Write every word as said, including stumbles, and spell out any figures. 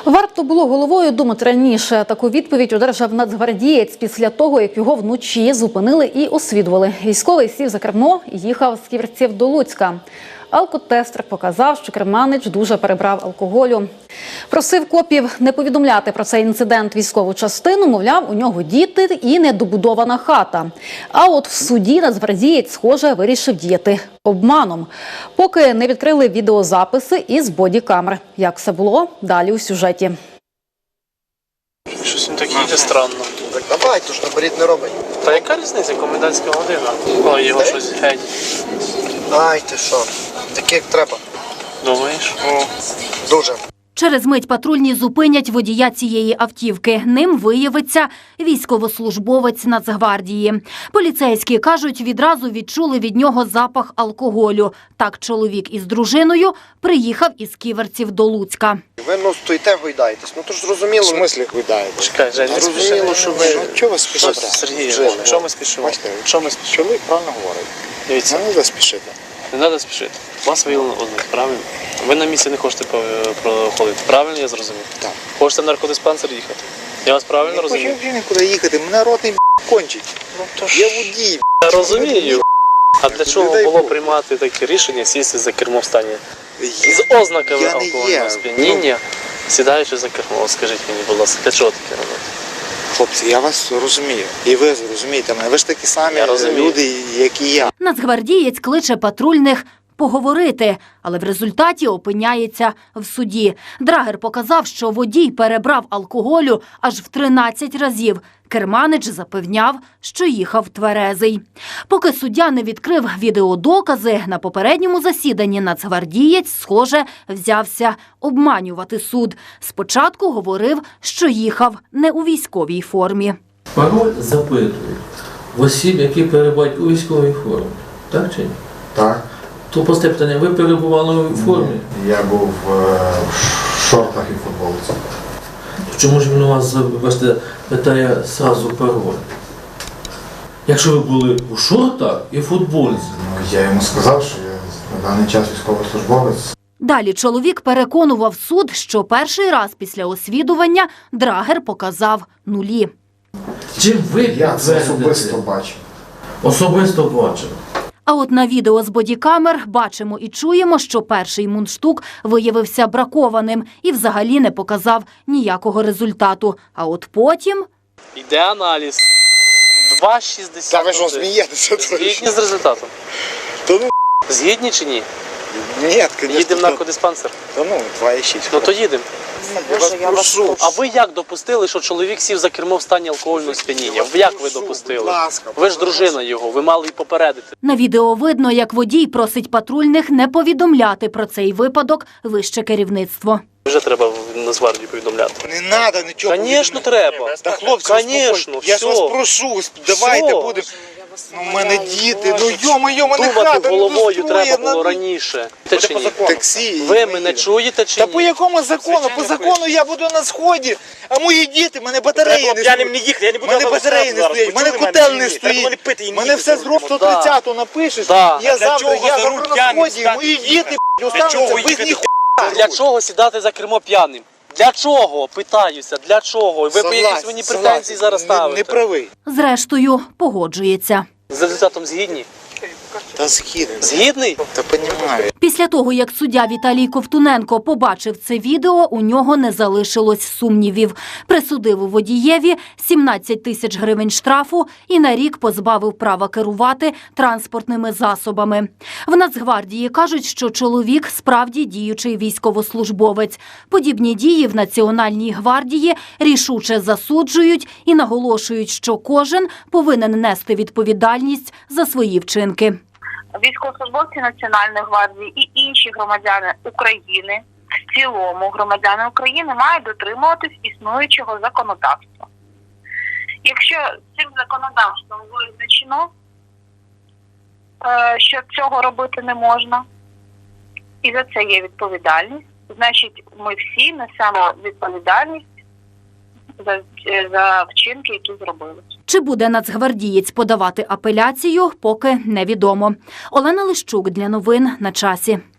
Варто було головою думати раніше. Таку відповідь одержав нацгвардієць після того, як його вночі зупинили і освідували. Військовий сів за кермо і їхав з Ківерців до Луцька. Алкотестер показав, що керманич дуже перебрав алкоголю. Просив копів не повідомляти про цей інцидент військову частину, мовляв, у нього діти і недобудована хата. А от в суді нацгвардієць, схоже, вирішив діяти обманом. Поки не відкрили відеозаписи із бодікамер. Як все було, далі у сюжеті. Щось він такий йде странно. Так давай, то ж наперед не робить. Та яка різниця, комендантська година? Ой, його щось геть. Ай, ти що, так як треба. Думаєш? Ну, дуже. Через мить патрульні зупинять водія цієї автівки. Ним виявиться військовослужбовець Нацгвардії. Поліцейські, кажуть, відразу відчули від нього запах алкоголю. Так чоловік із дружиною приїхав із Ківерців до Луцька. Ви, ну, стоїте, гойдаєтесь. Ну, то ж зрозуміло. В смислі гойдаєте? Чекай, Жень, не спіши. Зрозуміло, що ви... Ну, чого ви спішите? Сергій, Жили. що ми спішимо? Бачите, Що ми спішимо? чоловік правильно говорить. Дивіться, Не треба спішити. не треба спішити. Вас виявлено ознаки, правильно? Ви на місці не хочете проходити. Правильно я зрозумів? Так. Хочете в наркодиспансер їхати? Я вас правильно Не розумію? хочу вже нікуди їхати, мене ротний б**, кончить. Ну, то ж... Я водій. Я розумію. А для чого Людей було Бог. приймати таке рішення сісти за кермо в стані? Я, З ознаками я не є. алкогольного сп'яніння, сідаючи за кермо. Скажіть мені, будь ласка, для чого таке робити? Хлопці, я вас розумію. І ви розумієте мене. Ви ж такі самі Я розумію. люди, як і я. Нацгвардієць кличе патрульних поговорити, але в результаті опиняється в суді. Драгер показав, що водій перебрав алкоголю аж в тринадцять разів. Керманич запевняв, що їхав тверезий. Поки суддя не відкрив відеодокази, на попередньому засіданні нацгвардієць, схоже, взявся обманювати суд. Спочатку говорив, що їхав не у військовій формі. Пароль запитують в осіб, які перебувають у військовій формі. Так чи ні? Так. То просте питання, ви перебували у формі? Я був е, в шортах і футболці. Чому ж він у вас, бачите, питає зразу пароль? Якщо ви були у шортах і футболці? Ну, я йому сказав, що я на даний час військовослужбовець. Далі чоловік переконував суд, що перший раз після освідування Драгер показав нулі. Чим ви Я це підтвердите? особисто бачив. Особисто бачив. А от на відео з бодікамер бачимо і чуємо, що перший мундштук виявився бракованим і взагалі не показав ніякого результату. А от потім... Йде аналіз. два шістдесят один. Та ви що, смієтеся? Згідні з результатом? Та ну, Згідні чи ні? ні, звісно. Їдемо в наркодиспансер? Та ну, два шість. Ну то їдемо. Я вас прошу. А ви як допустили, що чоловік сів за кермо в стані алкогольного сп'яніння? Як ви допустили? Будь ласка, Ви ж дружина його, ви мали й попередити. На відео видно, як водій просить патрульних не повідомляти про цей випадок вище керівництво. Вже треба в Нацгвардію повідомляти. Не треба нічого. Звісно, повідомляти. треба. Та хлопці, Конечно, успокойтесь. Я ж все. вас прошу, давайте Все. будемо. Ну, в мене діти, ну йо-моє, мене Думати хата не головою достроє, треба було на- раніше. Те чи ні? Таксі. Ви і мене їдемо. чуєте чи Та ні? по якому закону? По закону я буду на сході, а мої діти, мене батареї не Я не стоять. їхати, я не буду Мене зараз батареї не зараз. стоять, мене Почули котел мене не чи ні? Треба стоїть. ліпити і Мене їхати все зараз. зроб сто тридцятого напишеш, Да. я Для завтра, чого я за завтра руль на п'яним сході, стати? мої діти Для остануться чого без їхати? ніхуя. Для чого сідати за кермо п'яним? Для чого? Питаюся, для чого? Ви по якісь мені претензії зараз Не, ставите? не правий. Зрештою, погоджується. З результатом згідні? Та згідний. Згідний? Та понімаю. Після того, як суддя Віталій Ковтуненко побачив це відео, у нього не залишилось сумнівів. Присудив у водієві сімнадцять тисяч гривень штрафу і на рік позбавив права керувати транспортними засобами. В Нацгвардії кажуть, що чоловік справді діючий військовослужбовець. Подібні дії в Національній гвардії рішуче засуджують і наголошують, що кожен повинен нести відповідальність за свої вчинки. Військовослужбовці Національної гвардії і інші громадяни України, в цілому громадяни України, мають дотримуватись існуючого законодавства. Якщо цим законодавством визначено, що цього робити не можна, і за це є відповідальність, значить ми всі несемо відповідальність за, за вчинки, які зробили. Чи буде нацгвардієць подавати апеляцію, поки невідомо. Олена Лищук для новин на часі.